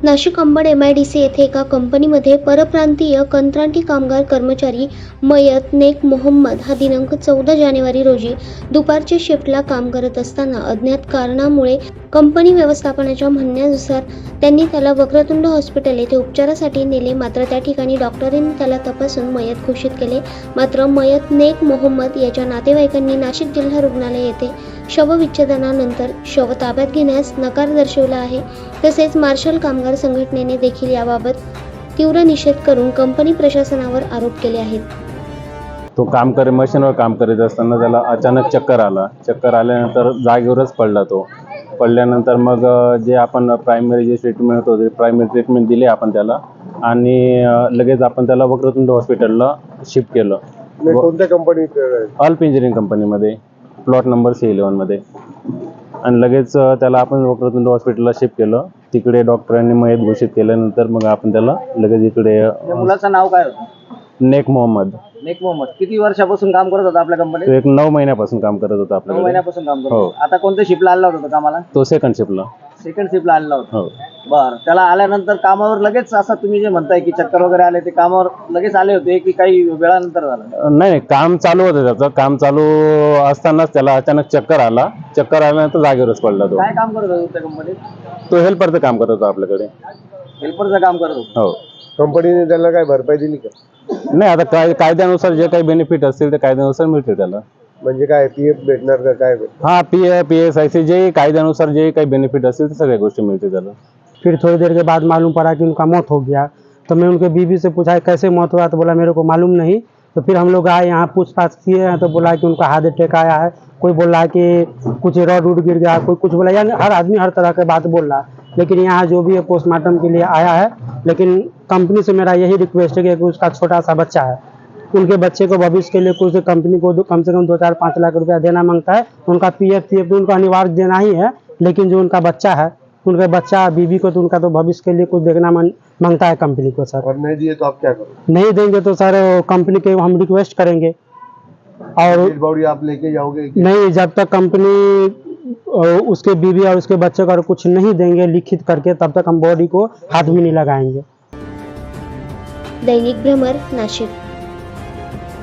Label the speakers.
Speaker 1: Nashik Ambad MIDC येथे एका कंपनीमध्ये परप्रांतीय कंत्राटी कामगार कर्मचारी मयत नेक मोहम्मद हा दिनांक 14 जानेवारी रोजी दुपारच्या शिफ्टला काम करत असताना अज्ञात कारणामुळे कंपनी व्यवस्थापनाच्या म्हणण्यानुसार त्यांनी त्याला वक्रतुंड हॉस्पिटल येथे उपचारासाठी नेले. मात्र त्या ठिकाणी डॉक्टरांनी त्याला तपासून मयत घोषित केले. मात्र मयत नेक मोहम्मद याच्या नातेवाईकांनी नाशिक जिल्हा रुग्णालय येथे शवविच्छेदनानंतर शव ताब्यात घेण्यास नकार दर्शवला आहे. तसेच मार्शल कामगार संघटनेने देखील याबाबत तीव्र निषेध करून कंपनी प्रशासनावर आरोप केले आहेत.
Speaker 2: तो मशीनवर काम करीत असताना त्याला अचानक चक्कर आल्यानंतर जागेवरच पडला. तो पडल्यानंतर मग जे आपण प्रायमरी जे ट्रीटमेंट होते प्रायमरी ट्रीटमेंट दिली आपण त्याला आणि लगेच आपण त्याला वक्रतुंड हॉस्पिटलला शिफ्ट केलं.
Speaker 3: कोणत्या कंपनीत?
Speaker 2: अल्प इंजिनिअरिंग कंपनीमध्ये, प्लॉट नंबर C11 मध्ये. आणि लगेच त्याला आपण वक्रतुंड हॉस्पिटलला शिफ्ट केलं. तिकडे डॉक्टरांनी मयत घोषित केल्यानंतर मग आपण त्याला लगेच इकडे.
Speaker 4: मुलाचं नाव काय होतं?
Speaker 2: नेक मोहम्मद.
Speaker 4: नेक मोहम्मद किती वर्षापासून काम करत होता आपल्या कंपनीत?
Speaker 2: तो एक 9 महिन्यापासून काम करत होता
Speaker 4: 9
Speaker 2: आपल्याकडे.
Speaker 4: महिन्यापासून काम करत
Speaker 2: हो.
Speaker 4: होता. आता कोणत्या शिफ्टला आला होता कामाला?
Speaker 2: तो सेकंड शिफ्टला.
Speaker 4: सेकंड शिफ्टला आलेला होता.
Speaker 2: हो.
Speaker 4: बरं, त्याला आल्यानंतर कामावर लगेच असं तुम्ही जे म्हणताय की चक्कर वगैरे आले, ते कामावर लगेच आले होते की काही वेळानंतर झालं?
Speaker 2: नाही, काम चालू होतं त्याचं. काम चालू असतानाच त्याला अचानक चक्कर आल्यानंतर जागेवरच पडला. तो
Speaker 4: काय काम करत होता त्या कंपनीत?
Speaker 2: तो हेल्परचं काम करत होता आपल्याकडे.
Speaker 4: हेल्परचं काम करत होता.
Speaker 2: हो.
Speaker 3: कंपनीने त्याला काय भरपाई दिली का?
Speaker 2: नाही, आता कायद्यानुसार जे काही बेनिफिट असतील ते कायद्यानुसार मिळते त्याला.
Speaker 3: म्हणजे काय PF भेटणार का काय?
Speaker 2: हाँ, PSIC जे कायद्यानुसार जे काही बेनिफिट असतील ते सगळ्या गोष्टी मिळते त्याला.
Speaker 5: फिर थोड़ी देर के बाद मालूम पड़ा कि उनका मौत हो गया। तो मैं उनके बीवी से पूछा कैसे मौत हुआ, तो बोला मेरे को मालूम नहीं। तो फिर हम लोग आए यहाँ पूछताछ किए हैं तो बोला कि उनका हार्ट अटैक आया है। कोई बोल रहा है कि कुछ रॉड उड गिर गया, कोई कुछ बोला, यानी हर आदमी हर तरह की बात बोल रहा है। लेकिन यहाँ जो भी है पोस्टमार्टम के लिए आया है। लेकिन कंपनी से मेरा यही रिक्वेस्ट है कि उसका छोटा सा बच्चा है, उनके बच्चे को भविष्य के लिए कुछ कंपनी को कम से कम 2-4-5 लाख रुपया देना मांगता है। उनका PF उनको अनिवार्य देना ही है, लेकिन जो उनका बच्चा है, उनके बच्चा बीवी को तो उनका तो भविष्य के लिए कुछ देखना मांगता है कंपनी को सर।
Speaker 3: और नहीं दिए तो आप क्या करोगे?
Speaker 5: नहीं देंगे तो सर कंपनी के हम रिक्वेस्ट करेंगे। और
Speaker 3: बॉडी आप लेके जाओगे?
Speaker 5: नहीं, जब तक कंपनी उसके बीवी और उसके बच्चे को कुछ नहीं देंगे लिखित करके, तब तक हम बॉडी को हाथ भी नहीं लगाएंगे।
Speaker 1: दैनिक भ्रमर, नाशिक।